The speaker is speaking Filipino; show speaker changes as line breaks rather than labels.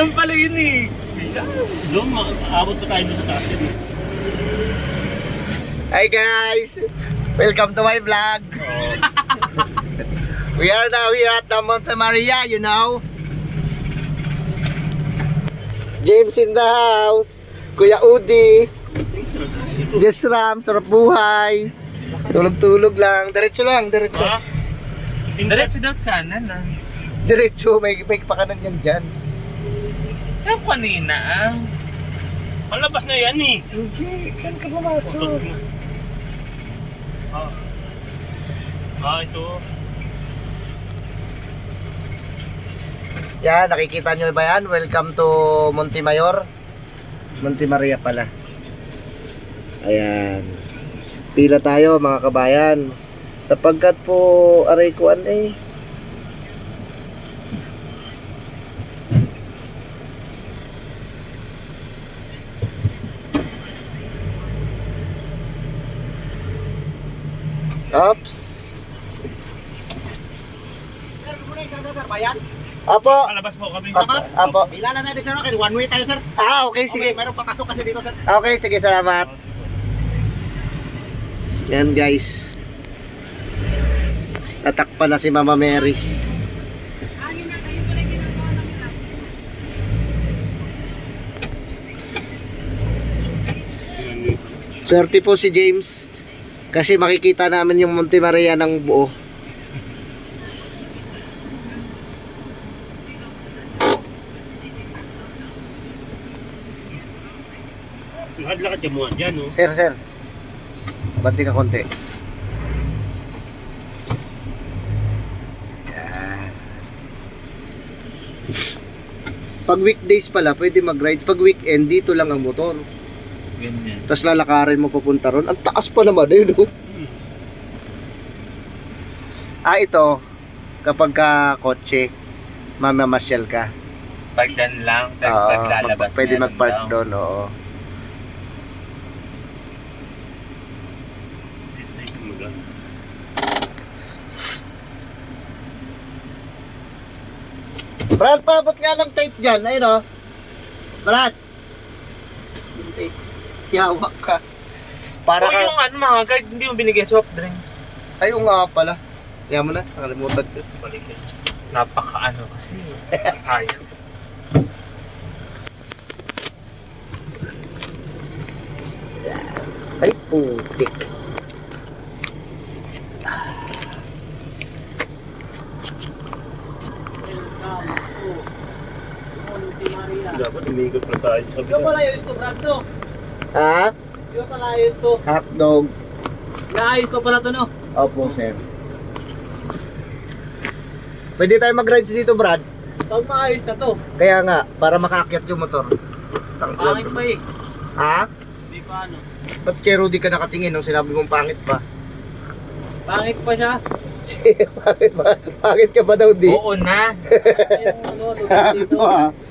Ganun pala yun eh.
Doon, maabot pa tayo doon sa taas yun.
Hi guys! Welcome to my vlog! We are now here at the Monte Maria, you know. James in the house. Kuya Udi. Jess Ram, sarap buhay. Tulog-tulog lang. Diretso lang, diretso.
Ha?
Diretso daw kanan ah.
Diretso, may pakanan yan dyan.
Pero kanina ah.
Palabas na yan eh.
Hindi, saan ka pumasok?
Ito.
Yan, nakikita nyo ba yan? Welcome to Monte Mayor. Monte Maria pala. Ayan. Pila tayo mga kabayan. Sapagkat po, aray kuan eh. Oops.
Bayan?
Apo.
Palabas po kami.
Apo.
Ilala na din sir, okay, one way tayo sir.
Okay, sige.
Okay, mayroong papasok kasi dito sir.
Okay, sige, salamat. Yan guys. Natakpan na si Mama Mary. Swerte po si James. Kasi makikita namin yung Monte Maria ng buo.
Lakad ka mo dyan, no?
Sir, sir. Banti ka konti. Yan. Pag weekdays pala, pwede mag-ride. Pag weekend, dito lang ang motor.
Ganyan.
Tapos lalakarin mo papunta ron. Ang taas pa naman eh, no? Ito. Kapag ka kotse, mamamasyal ka.
Pag dyan lang,
Oo,
pag lalabas
pwede
meron
mag-park
daw.
doon, oo. Brad, paabot nga ng tape dyan. Ayun o. Brad. Yung tape. Yawak ka. Para
O
ka...
yung ano mga guard, hindi mo binigay soft drink.
Ay, yung nga pala. Yan mo na. Nakalimutan ko.
Napaka-ano kasi. Sayang.
Ay, putik.
Dapat umikot na tayo sa
Ikaw pala ayos to, Brad to.
Ha?
Ikaw pala ayos to.
Hotdog.
Naayos pa pala to no.
Opo, sir. Pwede tayo mag-rides dito, Brad.
Pag maayos na to.
Kaya nga, para makaakyat yung motor.
Pangit pa eh.
Ha?
Hindi pa ano.
Ba't kay Rudy ka nakatingin nung sinabi mong pangit pa?
Pangit pa siya.
Pangit ba? Pangit ka ba daw, di?
Oo na.
Yung ano, lugar dito.
Ito ah.